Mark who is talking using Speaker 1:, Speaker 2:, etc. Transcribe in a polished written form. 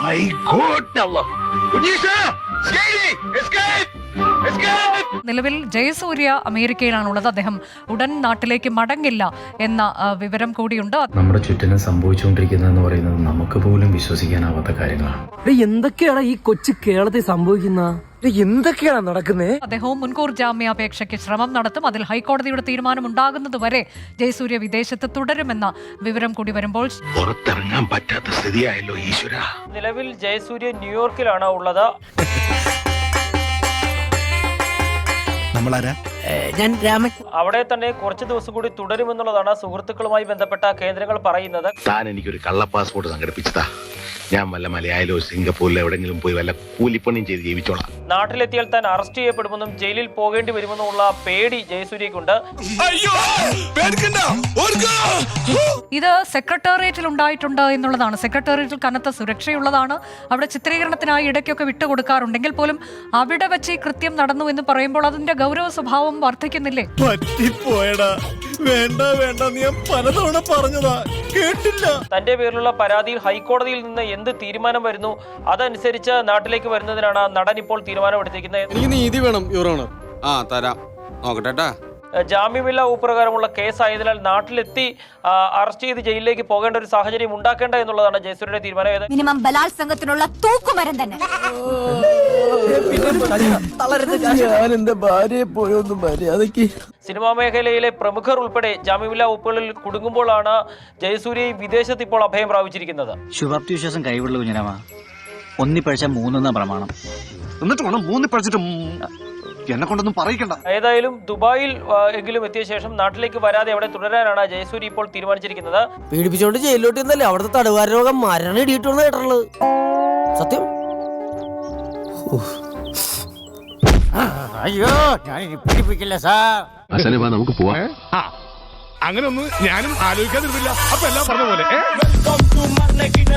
Speaker 1: My God, Allah. Unisha, escape!
Speaker 2: നിലവിൽ ജയസൂര്യ അമേരിക്കയിലാണുള്ളത്. അദ്ദേഹം ഉടൻ നാട്ടിലേക്ക് മടങ്ങില്ല എന്ന വിവരം കൂടിയുണ്ട്.
Speaker 3: നമ്മുടെ ചുറ്റിനും സംഭവിച്ചുകൊണ്ടിരിക്കുന്നതെന്ന് പറയുന്നത് നമുക്ക് പോലും വിശ്വസിക്കാനാവാത്ത കാര്യങ്ങളാണ്.
Speaker 4: എന്തൊക്കെയാണ് ഈ കൊച്ചു കേരളത്തിൽ സംഭവിക്കുന്ന? എന്തൊക്കെയാണ് നടക്കുന്നത്?
Speaker 2: അദ്ദേഹവും മുൻകൂർ ജാമ്യാപേക്ഷയ്ക്ക് ശ്രമം നടത്തും. അതിൽ ഹൈക്കോടതിയുടെ തീരുമാനം ഉണ്ടാകുന്നതുവരെ ജയസൂര്യ വിദേശത്ത് തുടരുമെന്ന വിവരം കൂടി വരുമ്പോൾ
Speaker 1: പുറത്തിറങ്ങാൻ പറ്റാത്ത സ്ഥിതിയായല്ലോ ഈശ്വര.
Speaker 5: നിലവിൽ ജയസൂര്യ ന്യൂയോർക്കിലാണ് ഉള്ളത്. അവിടെ തന്നെ കുറച്ച് ദിവസം കൂടി തുടരുമെന്നുള്ളതാണ് സുഹൃത്തുക്കളുമായി ബന്ധപ്പെട്ട കേന്ദ്രങ്ങൾ പറയുന്നത്.
Speaker 1: താൻ എനിക്കൊരു കള്ള പാസ്പോർട്ട് സംഘടിപ്പിച്ചതാ. ഞാൻ വല്ല മലയാളിലോ സിംഗപ്പൂരിലോ എവിടെങ്കിലും പോയി വല്ല കൂലിപ്പണിയും ചെയ്ത് ജീവിച്ചോളാം.
Speaker 5: നാട്ടിലെത്തിയാൽ താൻ അറസ്റ്റ് ചെയ്യപ്പെടുമെന്നും ജയിലിൽ പോകേണ്ടി വരുമെന്നുമുള്ള പേടി ജയസൂര്യക്കുണ്ട്.
Speaker 2: ഇത് സെക്രട്ടേറിയറ്റിൽ ഉണ്ടായിട്ടുണ്ട് എന്നുള്ളതാണ്. സെക്രട്ടേറിയറ്റിൽ കനത്ത സുരക്ഷയുള്ളതാണ്. അവിടെ ചിത്രീകരണത്തിനായി ഇടയ്ക്കൊക്കെ വിട്ടുകൊടുക്കാറുണ്ടെങ്കിൽ പോലും അവിടെ വെച്ച് ഈ കൃത്യം നടന്നു എന്ന് പറയുമ്പോൾ അതിന്റെ ഗൗരവ സ്വഭാവം വർദ്ധിക്കുന്നില്ലേ?
Speaker 6: പലതവണ പറഞ്ഞതാ, കേട്ടില്ല.
Speaker 5: തന്റെ പേരിലുള്ള പരാതിയിൽ ഹൈക്കോടതിയിൽ നിന്ന് എന്ത് തീരുമാനം വരുന്നു അതനുസരിച്ച് നാട്ടിലേക്ക് വരുന്നതിനാണ് നടൻ ഇപ്പോൾ തീരുമാനമെടുത്തിരിക്കുന്നത്.
Speaker 6: എനിക്ക് നീതി വേണം യുവർ ഓണർ. തരാം, നോക്കട്ടെ.
Speaker 5: ജാമ്യമില്ലാ പ്രകാരമുള്ള കേസായതിനാൽ നാട്ടിലെത്തി അറസ്റ്റ് ചെയ്ത് ജയിലിലേക്ക് പോകേണ്ട ഒരു സാഹചര്യം ഉണ്ടാക്കേണ്ട എന്നുള്ളതാണ് ജയസൂര്യയുടെ തീരുമാനം.
Speaker 7: മിനിമം ബലാത്സംഗത്തിനുള്ള തൂക്കുമരം തന്നെ.
Speaker 5: സിനിമാ മേഖലയിലെ പ്രമുഖർ ഉൾപ്പെടെ ജാമ്യമില്ലാ വകുപ്പുകളിൽ കുടുങ്ങുമ്പോഴാണ് ജയസൂര്യ വിദേശത്ത് ഇപ്പോൾ അഭയം പ്രാപിച്ചിരിക്കുന്നത്.
Speaker 8: ശുഭാപ്തി വിശ്വാസം കൈവിടുള്ള കുഞ്ഞനാമ ഒന്നിപ്പഴിച്ച മൂന്നെന്ന പ്രമാണം. എന്നിട്ട് വേണം മൂന്നിപ്പഴിച്ചിട്ട് എന്നെ കൊണ്ടൊന്നും പറയിക്കണ്ട.
Speaker 5: ഏതായാലും ദുബായിൽ എങ്കിലും എത്തിയ ശേഷം നാട്ടിലേക്ക് വരാതെ അവിടെ തുടരാനാണ് ജയസൂര്യ ഇപ്പോൾ തീരുമാനിച്ചിരിക്കുന്നത്.
Speaker 4: പീഡിപ്പിച്ചോണ്ട് ജയിലിലോട്ട് ഇന്നല്ലേ അവിടുത്തെ തടവുകാര രോഗം മരണം ഇടിയിട്ടുള്ള കേട്ടുള്ളത് സത്യം.
Speaker 8: അയ്യോ, ഞാൻ പീഡിപ്പിക്കില്ല സാർ.
Speaker 1: നമുക്ക് പോവാം.
Speaker 6: അങ്ങനെ ഒന്നും ഞാനും ആലോചിക്കാതിരുന്നില്ല. അപ്പൊ എല്ലാം പറഞ്ഞ പോലെ